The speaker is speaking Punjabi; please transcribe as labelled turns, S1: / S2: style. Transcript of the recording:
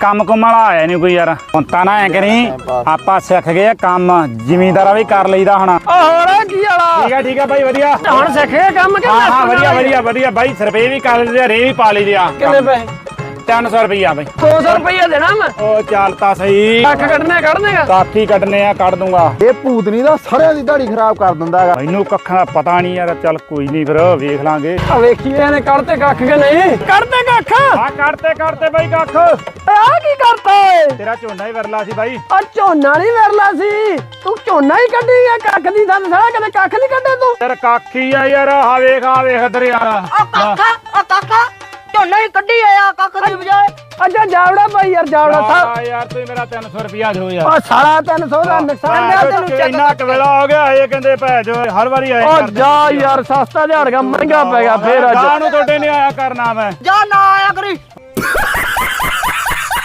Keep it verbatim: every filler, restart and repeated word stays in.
S1: ਕੰਮ ਕੁੰਮ ਵਾਲਾ ਆਇਆ ਨਹੀਂ ਕੋਈ ਯਾਰ। ਹੁਣ ਤਾਂ ਨਾ ਐ ਕਰੀ ਆਪਾਂ ਸਿੱਖ ਗਏ ਕੰਮ ਜ਼ਿਮੀਂਦਾਰਾ ਵੀ ਕਰ ਲਈਦਾ ਹੁਣ।
S2: ਹੋਰ ਕੀ ਵਾਲਾ
S1: ਠੀਕ ਆ ਠੀਕ ਆ ਬਾਈ ਵਧੀਆ।
S2: ਹੁਣ ਸਿੱਖ ਗਏ ਕੰਮ ਕਿ
S1: ਹਾਂ ਹਾਂ ਵਧੀਆ ਵਧੀਆ ਵਧੀਆ ਬਾਈ। ਸਰਪੇ ਵੀ ਕਰ ਲਈਦੇ ਰੇ ਵੀ ਪਾ ਲਈਦੇ ਆ।
S2: ਕਿੰਨੇ ਪੈਸੇ?
S1: ਤਿੰਨ ਸੌ ਰੁਪਈਆ ਬਾਈ।
S2: ਦੋ ਸੌ ਰੁਪਈਆ ਦੇਣਾ ਮੈਂ।
S1: ਉਹ ਚੱਲ ਤਾਂ ਸਹੀ।
S2: ਕੱਖ ਕੱਢਨੇ ਕੱਢ ਦੇਗਾ।
S1: ਕਾਫੀ ਕੱਢਨੇ ਆ ਕੱਢ ਦੂੰਗਾ।
S3: ਇਹ ਭੂਤਨੀ ਦਾ ਸਾਰਿਆਂ ਦੀ ਦਾੜੀ ਖਰਾਬ ਕਰ ਦਿੰਦਾ ਹੈਗਾ।
S1: ਮੈਨੂੰ ਕੱਖਾਂ ਦਾ ਪਤਾ ਨਹੀਂ ਯਾਰ। ਚੱਲ ਕੋਈ ਨਹੀਂ ਫਿਰ ਵੇਖ ਲਾਂਗੇ।
S2: ਆ ਵੇਖੀਏ ਇਹਨੇ ਕੱਢਤੇ ਕੱਖ ਕਿ ਨਹੀਂ। ਕੱਢਤੇ ਕੱਖ।
S1: ਆ ਕੱਢਤੇ ਕੱਢਤੇ ਬਾਈ ਕੱਖ।
S2: ਆ ਕੀ ਕਰਤਾ ਏ?
S1: ਤੇਰਾ ਝੋਨਾ ਹੀ ਵਰਲਾ ਸੀ ਬਾਈ।
S2: ਆ ਝੋਨਾ ਨਹੀਂ ਵਰਲਾ ਸੀ। ਤੂੰ ਝੋਨਾ ਹੀ ਕੱਢੀ ਗਿਆ ਕੱਖ ਦੀ ਥਾਂ ਸਾਲਾ ਕਦੇ ਕੱਖ ਨਹੀਂ ਕੱਢੇ ਤੂੰ।
S1: ਯਾਰ ਕਾਖੀ ਆ ਯਾਰ। ਆ ਵੇਖ ਆ ਵੇਖ ਇਧਰ ਯਾਰ।
S4: ਆ ਕਾਕਾ ਆ ਕਾਕਾ ਝੋਨਾ ਹੀ ਕੱਢੀ ਆਇਆ ਕੱਖ ਦੀ ਬਜਾਏ।
S2: ਅੱਛਾ ਜਾਵੜਾ ਭਾਈ ਯਾਰ ਜਾਵੜਾ ਸਾਹਿਬ।
S1: ਆ ਯਾਰ ਤੂੰ ਮੇਰਾ ਤਿੰਨ ਸੌ ਰੁਪਿਆ ਦਿਓ ਯਾਰ।
S2: ਉਹ ਸਾਲਾ ਤਿੰਨ ਸੌ ਦਾ ਨੁਕਸਾਨ ਲਿਆ ਤੈਨੂੰ ਚੱਕ।
S1: ਇੰਨਾ ਕਵੇਲਾ ਹੋ ਗਿਆ ਇਹ ਕਹਿੰਦੇ ਭੈ ਜੋ ਹਰ ਵਾਰੀ ਆਏ
S2: ਉਹ ਜਾ ਯਾਰ ਸਸਤਾ ਝਾੜ ਗਿਆ ਮਹਿੰਗਾ ਪੈ ਗਿਆ ਫੇਰ ਅੱਜ।
S1: ਗਾਂ ਨੂੰ ਤੁਹਾਡੇ ਨੇ ਆਇਆ ਕਰਨਾ ਮੈਂ।
S4: ਜਾ ਨਾ ਆਇਆ ਕਰੀ।